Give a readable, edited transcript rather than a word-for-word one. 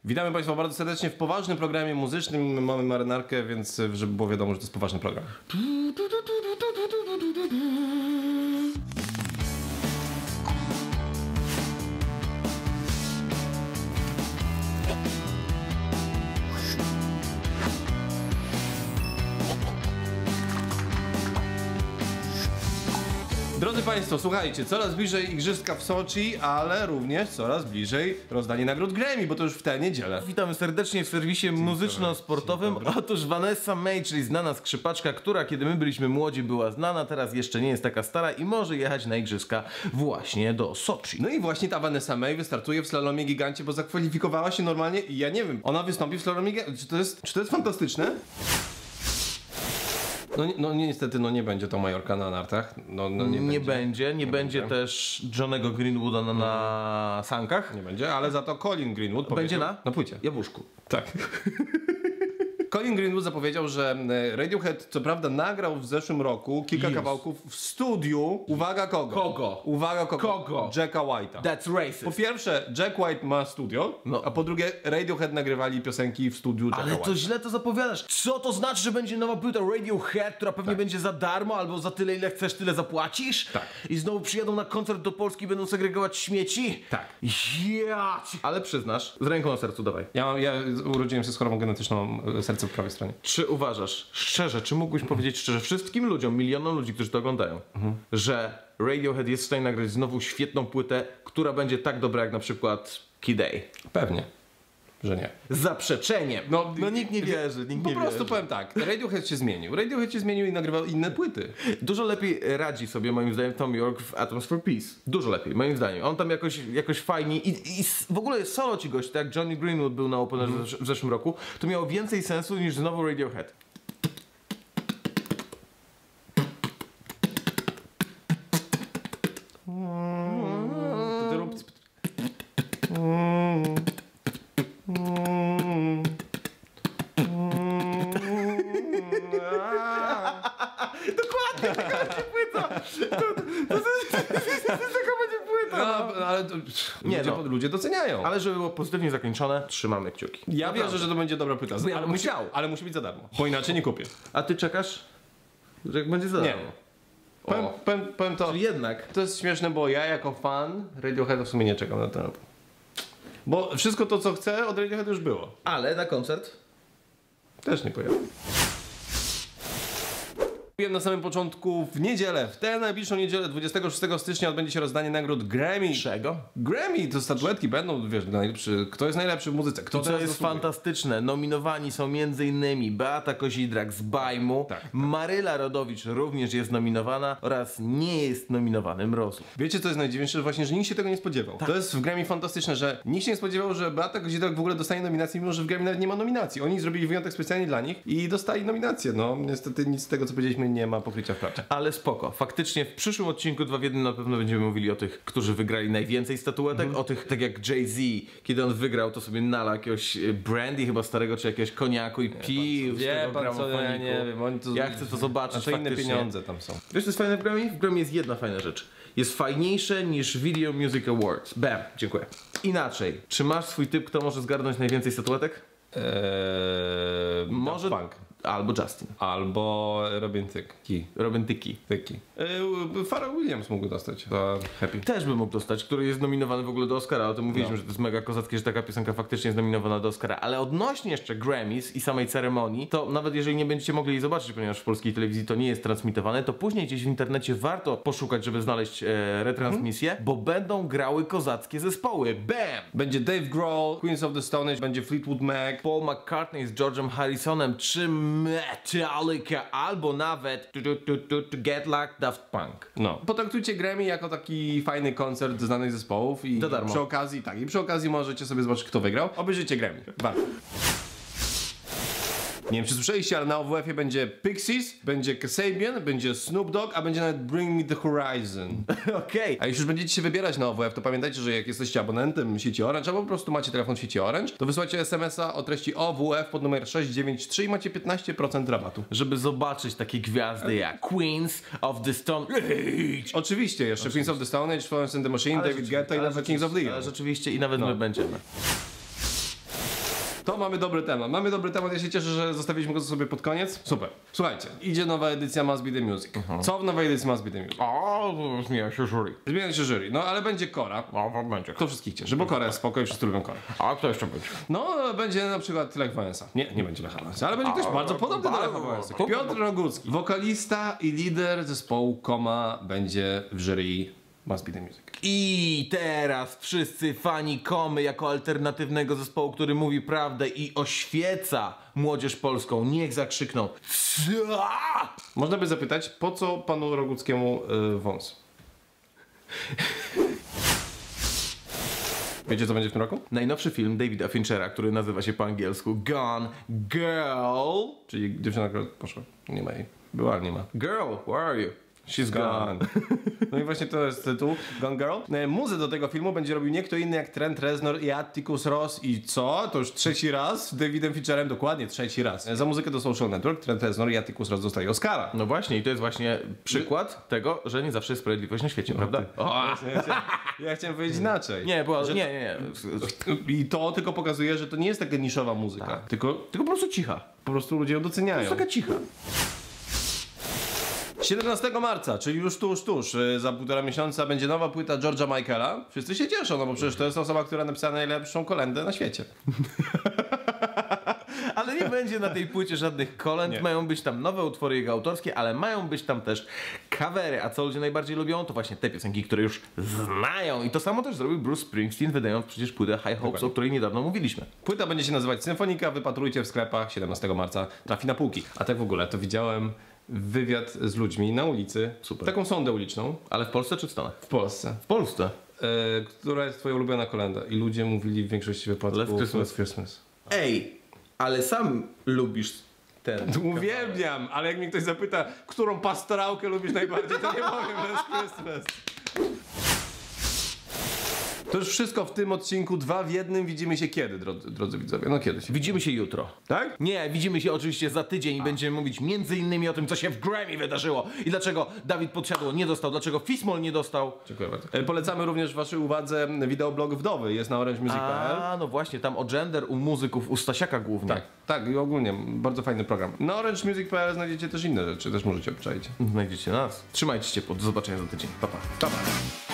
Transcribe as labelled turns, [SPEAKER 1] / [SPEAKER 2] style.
[SPEAKER 1] Witamy Państwa bardzo serdecznie w poważnym programie muzycznym. Mamy marynarkę, więc żeby było wiadomo, że to jest poważny program. Drodzy Państwo, słuchajcie, coraz bliżej igrzyska w Soczi, ale również coraz bliżej rozdanie nagród Grammy, bo to już w tę niedzielę.
[SPEAKER 2] Witamy serdecznie w serwisie muzyczno-sportowym. Otóż Vanessa Mae, czyli znana skrzypaczka, która kiedy my byliśmy młodzi była znana, teraz jeszcze nie jest taka stara i może jechać na igrzyska właśnie do Soczi.
[SPEAKER 1] No i właśnie ta Vanessa Mae wystartuje w slalomie gigancie, bo zakwalifikowała się normalnie i ja nie wiem, ona wystąpi w slalomie gigancie. Czy to jest fantastyczne? No niestety, no nie będzie to Majorka na nartach. Nie będzie
[SPEAKER 2] też Johnego Greenwooda na sankach.
[SPEAKER 1] Nie będzie, ale za to Colin Greenwood
[SPEAKER 2] będzie
[SPEAKER 1] na płycie.
[SPEAKER 2] Jabłuszku.
[SPEAKER 1] Tak. Colin Greenwood zapowiedział, że Radiohead co prawda nagrał w zeszłym roku kilka kawałków w studiu. Uwaga kogo?
[SPEAKER 2] Kogo?
[SPEAKER 1] Uwaga kogo?
[SPEAKER 2] Kogo?
[SPEAKER 1] Jacka White'a.
[SPEAKER 2] That's racist.
[SPEAKER 1] Po pierwsze, Jack White ma studio, a po drugie Radiohead nagrywali piosenki w studiu Jacka
[SPEAKER 2] Ale to
[SPEAKER 1] White'a.
[SPEAKER 2] źle to zapowiadasz. Co to znaczy, że będzie nowa płyta Radiohead, która pewnie będzie za darmo, albo za tyle, ile chcesz, tyle zapłacisz?
[SPEAKER 1] Tak.
[SPEAKER 2] I znowu przyjadą na koncert do Polski i będą segregować śmieci?
[SPEAKER 1] Tak.
[SPEAKER 2] Ale przyznasz, z ręką na sercu dawaj.
[SPEAKER 1] Ja urodziłem się z chorobą genetyczną, serce po prawej stronie.
[SPEAKER 2] Czy uważasz, szczerze, czy mógłbyś powiedzieć szczerze wszystkim ludziom, milionom ludzi, którzy to oglądają, że Radiohead jest w stanie nagrać znowu świetną płytę, która będzie tak dobra jak na przykład Kid A?
[SPEAKER 1] Pewnie, że nie.
[SPEAKER 2] Z zaprzeczeniem. No nikt nie wierzy, nikt nie
[SPEAKER 1] Po prostu
[SPEAKER 2] wierzy.
[SPEAKER 1] powiem tak, Radiohead się zmienił. Radiohead się zmienił i nagrywał inne płyty.
[SPEAKER 2] Dużo lepiej radzi sobie moim zdaniem Tom York w Atoms for Peace. Dużo lepiej, moim zdaniem. On tam jakoś fajnie i w ogóle solo ci gość, tak jak Johnny Greenwood był na Openerze w zeszłym roku, to miało więcej sensu niż znowu Radiohead.
[SPEAKER 1] To ty rób...
[SPEAKER 2] Dokładnie, taka będzie płyta! Taka będzie płyta!
[SPEAKER 1] Ale ludzie doceniają.
[SPEAKER 2] Ale żeby było pozytywnie zakończone, trzymamy kciuki.
[SPEAKER 1] Ja wierzę, że to będzie dobra płyta. Ale musi być za darmo, bo inaczej nie kupię.
[SPEAKER 2] A ty czekasz, że jak będzie za darmo?
[SPEAKER 1] Powiem to.
[SPEAKER 2] Czyli jednak.
[SPEAKER 1] To jest śmieszne, bo ja jako fan Radioheada w sumie nie czekam na to. Bo wszystko to, co chcę, od Radioheada już było.
[SPEAKER 2] Ale na koncert?
[SPEAKER 1] Też nie pojadę. Na samym początku w niedzielę, w tę najbliższą niedzielę 26 stycznia odbędzie się rozdanie nagród Grammy.
[SPEAKER 2] Czego?
[SPEAKER 1] Grammy, to statuetki będą, wiesz, kto jest najlepszy w muzyce, kto
[SPEAKER 2] to jest fantastyczne. Nominowani są m.in. Beata Kozidrak z Bajmu, Maryla Rodowicz również jest nominowana oraz nie jest nominowany Mrozu.
[SPEAKER 1] Wiecie, co jest najdziwniejsze? Właśnie, że nikt się tego nie spodziewał. Tak. To jest w Grammy fantastyczne, że nikt się nie spodziewał, że Beata Kozidrak w ogóle dostanie nominację, mimo że w Grammy nawet nie ma nominacji. Oni zrobili wyjątek specjalnie dla nich i dostali nominację. No, niestety nic z tego, co powiedzieliśmy, nie ma pokrycia w prawdzie.
[SPEAKER 2] Ale spoko. Faktycznie w przyszłym odcinku 2 w 1 na pewno będziemy mówili o tych, którzy wygrali najwięcej statuetek, o tych, tak jak Jay-Z, kiedy on wygrał, to sobie nalał jakiegoś brandy chyba starego, czy jakiegoś koniaku i pił z tego gramofoniku.
[SPEAKER 1] Ja nie wiem,
[SPEAKER 2] ja chcę to zobaczyć.
[SPEAKER 1] A to inne pieniądze tam są.
[SPEAKER 2] Wiesz, co jest fajne w Grammy? W Grammy jest jedna fajna rzecz. Jest fajniejsze niż Video Music Awards. Bam, dziękuję. Inaczej, czy masz swój typ, kto może zgarnąć najwięcej statuetek?
[SPEAKER 1] Może Punk.
[SPEAKER 2] Albo Justin.
[SPEAKER 1] Albo Robin Thicke.
[SPEAKER 2] Robin Thicke.
[SPEAKER 1] Pharrell Williams mógł dostać za Happy.
[SPEAKER 2] Też by mógł dostać, który jest nominowany w ogóle do Oscara. O tym mówiliśmy, że to jest mega kozackie, że taka piosenka faktycznie jest nominowana do Oscara. Ale odnośnie jeszcze Grammys i samej ceremonii, to nawet jeżeli nie będziecie mogli jej zobaczyć, ponieważ w polskiej telewizji to nie jest transmitowane, to później gdzieś w internecie warto poszukać, żeby znaleźć retransmisję, bo będą grały kozackie zespoły. Bam!
[SPEAKER 1] Będzie Dave Grohl, Queens of the Stone Age, będzie Fleetwood Mac,
[SPEAKER 2] Paul McCartney z George'em Harrisonem, czy Metallica, albo nawet Get Luck, Daft Punk.
[SPEAKER 1] No. Potraktujcie Grammy jako taki fajny koncert znanych zespołów i przy okazji możecie sobie zobaczyć, kto wygrał. Obejrzyjcie Grammy. Warto. Nie wiem, czy słyszeliście, ale na OWF-ie będzie Pixies, będzie Kasabian, będzie Snoop Dogg, a będzie nawet Bring Me The Horizon.
[SPEAKER 2] Okej.
[SPEAKER 1] A jeśli już będziecie się wybierać na OWF, to pamiętajcie, że jak jesteście abonentem sieci Orange, albo po prostu macie telefon sieci Orange, to wysyłacie SMS-a o treści OWF pod numer 693 i macie 15% rabatu.
[SPEAKER 2] Żeby zobaczyć takie gwiazdy jak Queens of the Stone Age.
[SPEAKER 1] Oczywiście, jeszcze Queens of the Stone Age, Florence and the Machine, David Guetta i nawet Kings of Leon.
[SPEAKER 2] Ale rzeczywiście i nawet my będziemy.
[SPEAKER 1] To mamy dobry temat. Mamy dobry temat, ja się cieszę, że zostawiliśmy go sobie pod koniec. Super. Słuchajcie, idzie nowa edycja Must Be The Music. Co w nowej edycji Must Be The Music?
[SPEAKER 2] O, zmienia się jury.
[SPEAKER 1] Zmienia się jury, no ale będzie Kora.
[SPEAKER 2] O, będzie.
[SPEAKER 1] Kto wszystkich cieszy, bo Kora jest spoko i wszyscy lubią Korę.
[SPEAKER 2] A kto jeszcze będzie?
[SPEAKER 1] No, będzie na przykład Lech Wałęsa. Nie będzie Lecha Wałęsa, ale będzie ktoś bardzo podobny do Lecha Wałęsy. Piotr Rogucki, wokalista i lider zespołu Koma, będzie w jury Must Be The Music.
[SPEAKER 2] I teraz wszyscy fani Komy jako alternatywnego zespołu, który mówi prawdę i oświeca młodzież polską, niech zakrzykną CA!
[SPEAKER 1] Można by zapytać, po co panu Roguckiemu wąs? Wiecie, co będzie w tym roku?
[SPEAKER 2] Najnowszy film Davida Finchera, który nazywa się po angielsku Gone Girl.
[SPEAKER 1] Czyli dziewczyna, która poszła. Nie ma jej. Była, ale nie ma.
[SPEAKER 2] Girl, where are you?
[SPEAKER 1] She's gone. No i właśnie to jest tytuł, Gone Girl. Muzę do tego filmu będzie robił nie kto inny jak Trent Reznor i Atticus Ross i co? To już trzeci raz z Davidem Fincherem, dokładnie trzeci raz. Za muzykę do Social Network Trent Reznor i Atticus Ross dostają Oscara.
[SPEAKER 2] No właśnie, i to jest właśnie przykład tego, że nie zawsze jest sprawiedliwość na świecie, prawda?
[SPEAKER 1] Ja chciałem powiedzieć inaczej.
[SPEAKER 2] Nie, była, nie.
[SPEAKER 1] I to tylko pokazuje, że to nie jest taka niszowa muzyka, tylko
[SPEAKER 2] Tylko po prostu cicha.
[SPEAKER 1] po prostu ludzie ją doceniają.
[SPEAKER 2] To jest taka cicha.
[SPEAKER 1] 17 marca, czyli już tuż, za 1,5 miesiąca będzie nowa płyta George'a Michaela. Wszyscy się cieszą, no bo przecież to jest osoba, która napisała najlepszą kolędę na świecie.
[SPEAKER 2] Ale nie będzie na tej płycie żadnych kolęd,
[SPEAKER 1] Nie.
[SPEAKER 2] mają być tam nowe utwory jego autorskie, ale mają być tam też covery, a co ludzie najbardziej lubią, to właśnie te piosenki, które już znają. I to samo też zrobił Bruce Springsteen, wydając przecież płytę High Hopes, o której niedawno mówiliśmy.
[SPEAKER 1] Płyta będzie się nazywać Symfonika, wypatrujcie w sklepach, 17 marca trafi na półki. A tak w ogóle, to widziałem wywiad z ludźmi na ulicy,
[SPEAKER 2] Super.
[SPEAKER 1] taką sondę uliczną
[SPEAKER 2] Ale w Polsce czy w Stanach?
[SPEAKER 1] w Polsce,
[SPEAKER 2] W Polsce.
[SPEAKER 1] która jest twoja ulubiona kolenda i ludzie mówili w większości wypadków
[SPEAKER 2] Last Christmas.
[SPEAKER 1] Last Christmas.
[SPEAKER 2] Ej, ale sam lubisz ten...
[SPEAKER 1] Uwielbiam, ale jak mnie ktoś zapyta, którą pastorałkę lubisz najbardziej, to nie powiem Last Christmas. To już wszystko w tym odcinku, 2 w 1. Widzimy się kiedy, drodzy widzowie? No kiedyś.
[SPEAKER 2] Widzimy się jutro.
[SPEAKER 1] Tak?
[SPEAKER 2] Nie, widzimy się oczywiście za tydzień i będziemy mówić m.in. o tym, co się w Grammy wydarzyło i dlaczego Dawid Podsiadło nie dostał, dlaczego Fismol nie dostał.
[SPEAKER 1] Dziękuję bardzo. Polecamy również waszej uwadze wideoblog Wdowy, jest na orangemusic.pl.
[SPEAKER 2] A, no właśnie, tam o gender u muzyków, u Stasiaka głównie.
[SPEAKER 1] Tak, i ogólnie bardzo fajny program. Na orangemusic.pl znajdziecie też inne rzeczy, też możecie obczaić.
[SPEAKER 2] Znajdziecie nas. Trzymajcie się ciepło, do zobaczenia za tydzień. Pa, pa.
[SPEAKER 1] Pa, pa.